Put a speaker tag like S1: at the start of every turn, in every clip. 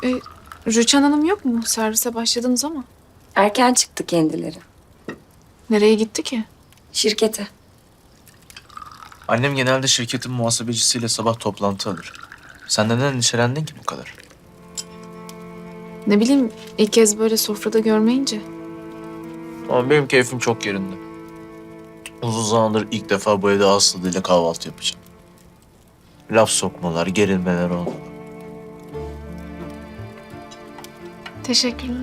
S1: Rüçhan Hanım yok mu? Servise başladınız ama.
S2: Erken çıktı kendileri.
S1: Nereye gitti ki?
S2: Şirkete.
S3: Annem genelde şirketin muhasebecisiyle sabah toplantı alır. Sen neden endişelendin ki bu kadar?
S1: Ne bileyim, ilk kez böyle sofrada görmeyince.
S3: Ama benim keyfim çok yerinde. Uzun zamandır ilk defa bu evde Aslı ile kahvaltı yapacağım. Laf sokmalar, gerilmeler oldu.
S1: Teşekkürler.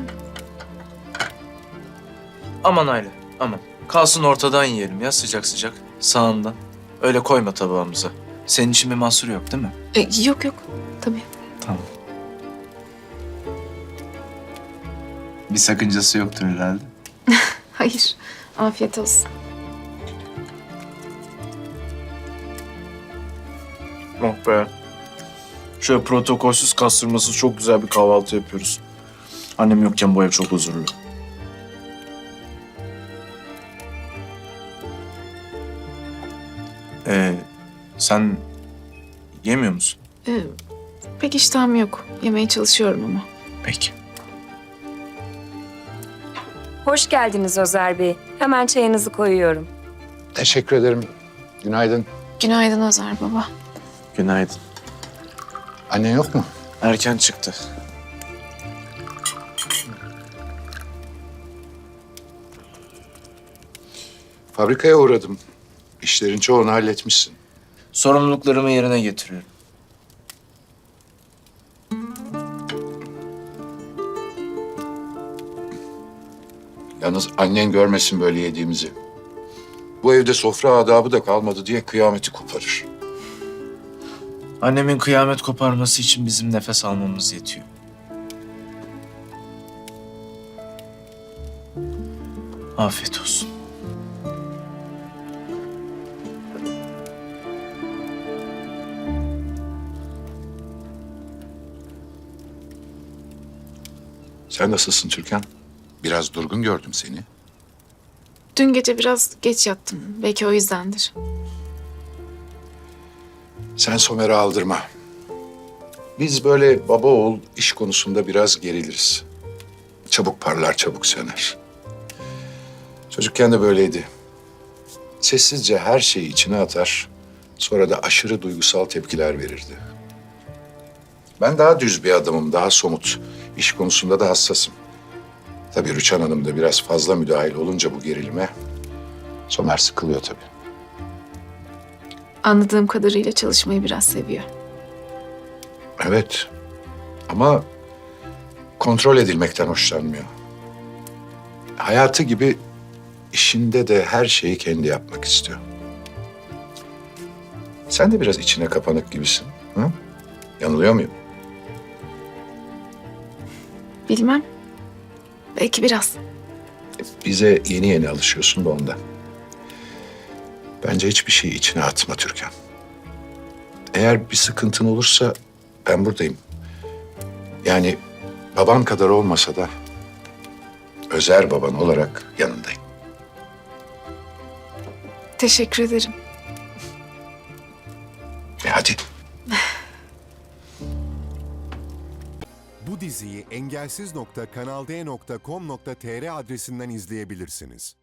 S3: Aman Aile, aman. Kalsın ortadan yiyelim ya sıcak sıcak. Sağından. Öyle koyma tabağımıza. Senin için bir mahsur yok değil mi?
S1: Yok yok, tabii.
S3: Tamam. Bir sakıncası yoktur herhalde.
S1: Hayır, afiyet olsun.
S3: Oh be. Şöyle protokolsüz kastırmasız çok güzel bir kahvaltı yapıyoruz. Annem yokken bu ev çok huzurlu. Sen yemiyor musun?
S1: Pek iştahım yok. Yemeye çalışıyorum ama.
S3: Peki.
S2: Hoş geldiniz Özer Bey. Hemen çayınızı koyuyorum.
S4: Teşekkür ederim. Günaydın.
S1: Günaydın Özer baba.
S3: Günaydın.
S4: Annen yok mu?
S3: Erken çıktı.
S4: Fabrikaya uğradım. İşlerin çoğunu halletmişsin.
S3: Sorumluluklarımı yerine getiriyorum.
S4: Yalnız annen görmesin böyle yediğimizi. Bu evde sofra adabı da kalmadı diye kıyameti koparır.
S3: Annemin kıyamet koparması için bizim nefes almamız yetiyor. Afiyet olsun.
S4: Sen nasılsın Türkan? Biraz durgun gördüm seni.
S1: Dün gece biraz geç yattım. Belki o yüzdendir.
S4: Sen Somer'i aldırma. Biz böyle baba oğul iş konusunda biraz geriliriz. Çabuk parlar, çabuk söner. Çocukken de böyleydi. Sessizce her şeyi içine atar, sonra da aşırı duygusal tepkiler verirdi. Ben daha düz bir adamım, daha somut. İş konusunda da hassasım. Tabii Rüçhan Hanım da biraz fazla müdahil olunca bu gerilime, Somer sıkılıyor tabii.
S1: Anladığım kadarıyla çalışmayı biraz seviyor.
S4: Evet. Ama kontrol edilmekten hoşlanmıyor. Hayatı gibi işinde de her şeyi kendi yapmak istiyor. Sen de biraz içine kapanık gibisin. Hı? Yanılıyor muyum?
S1: Bilmem. Belki biraz.
S4: Bize yeni yeni alışıyorsun da ondan. Bence hiçbir şeyi içine atma Türkan. Eğer bir sıkıntın olursa ben buradayım. Yani baban kadar olmasa da Özer baban olarak yanındayım.
S1: Teşekkür ederim.
S4: Hadi.
S5: Bu diziyi engelsiz.kanalde.com.tr adresinden izleyebilirsiniz.